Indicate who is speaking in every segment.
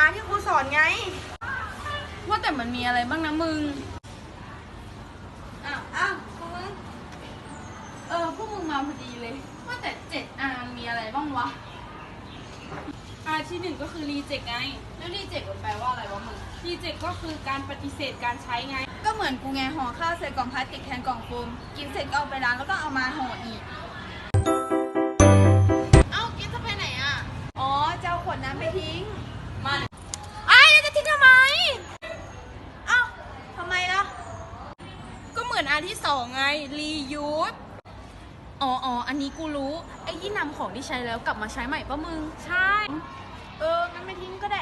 Speaker 1: ที่ครูสอนไง
Speaker 2: ว่าแต่มันมีอะไรบ้างนะมึง
Speaker 1: อ้าวมึง
Speaker 2: พวกมึงมาพอดีเลยว่าแต่ 7R มีอะไรบ้างวะ R ที่ 1ก็คือ reject ไงแล้ว reject มันแปลว่าอะไรวะมึง reject ก็คือการปฏิเสธการใช้ไงก็เหมือนกูไงห่อข้าวใส่กล่องพลาสติกแทนกล่องโฟมกินเสร็จก็เอาไปล้างแล้วก็เอามาห่ออีกกินจะไปไหนอ่ะ
Speaker 1: อ๋อเจ้าขวดน้ำไปทิ้ง
Speaker 2: มาแล้วจะทิ้งทำไม
Speaker 1: ทำไมล่ะ
Speaker 2: ก็เหมือนอันที่2ไง reuse อันนี้กูรู้ไอ้ที่นำของที่ใช้แล้วกลับมาใช้ใหม่ปะมึงใช่
Speaker 1: งั้นไม่ทิ้งก็ได้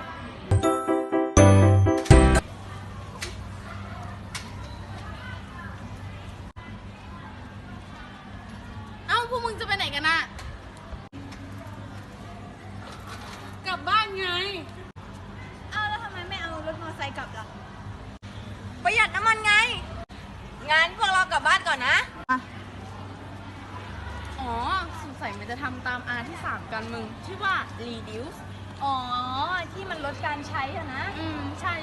Speaker 2: พวกมึงจะไปไหนกันน่ะกลับบ้านไง
Speaker 1: แล้วทำไมไม่เอารถมอเตอร์ไซค์กลับล่ะประหยัดน้ำมันไงงั้นพวกเรากลับบ้านก่อนนะ
Speaker 2: สงสัยมันจะทำตาม R ที่ 3กันมึงชื่อว่า reduce
Speaker 1: ที่มันลดการใช้อะนะ
Speaker 2: ใช่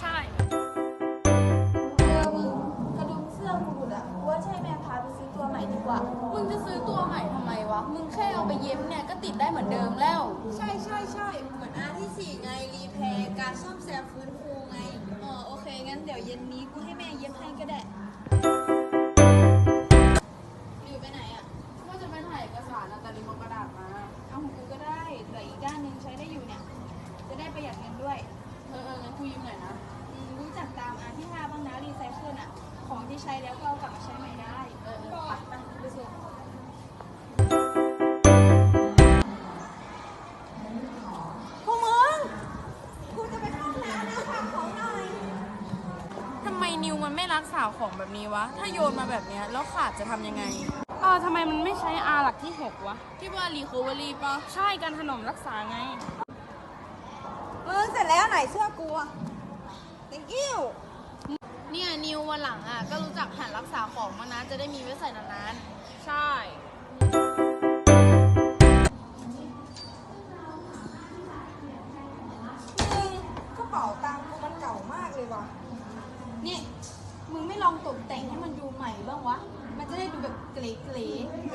Speaker 1: มึงกระดุมเสื้อกูหลุดว่าใช่แม่พาไปซื้อตัวใหม่ดีกว่า
Speaker 2: มึงจะซื้อตัวใหม่ทำไมวะมึงแค่เอาไปเย็บเนี่ยก็ติดได้เหมือนเดิมแล้ว
Speaker 1: ใช่เหมือนอาที่4ไงรีแพร์การซ่อมแซมฟื้นฟูไงโอเคงั้นเดี๋ยวเย็นนี้กูให้แม่เย็บให้ก็ได้อยู่ไปไหน
Speaker 2: ว่าจะไปถ่ายเอกสารแต่ลืมเอากระดาษมา
Speaker 1: เอาของกูก็ได้แต่อีกด้านนึงใช้ได้อยู่เนี่ยจะได้ประหยัดเงินด้วย
Speaker 2: งั้นกูยืมหน่อยนะ
Speaker 1: รู้จักตามอาที่5บ้างนะรีไซเคิลของที่ใช้แล้วก็เอากลับมาใช้ใหม่ได้ไปส่งพวกมึงกูจะไปเข้าห้องน้ำนะฝากของหน่อย
Speaker 2: ทำไมนิวมันไม่รักษาของแบบนี้วะถ้าโยนมาแบบนี้แล้วขาดจะทำยังไงทำไมมันไม่ใช้ R หลักที่ 6 วะที่ว่า recovery ปะใช่การถนอมรักษาไง
Speaker 1: มึงเสร็จแล้วไหนเสื้อกู thank you
Speaker 2: เนี่ยนิววันหลังก็รู้จักหันรักษาของมานะจะได้มีไว้ใส่นานๆใช่
Speaker 1: กระเป๋าตังค์กูมันเก่ามากเลยว่ะนี่มึงไม่ลองตกแต่งให้มันดูใหม่บ้างวะมันจะได้ดูแบบเก๋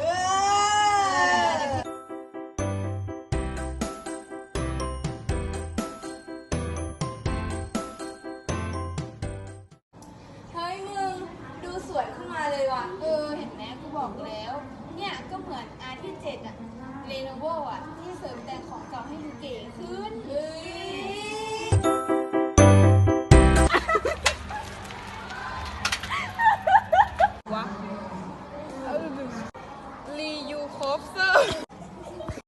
Speaker 1: เฮ้ยมึงดูสวยขึ้นมาเลยว่ะเห็นไหมกูบอกแล้วเนี่ยก็เหมือนอาร์ที่7Lenovoที่เสริม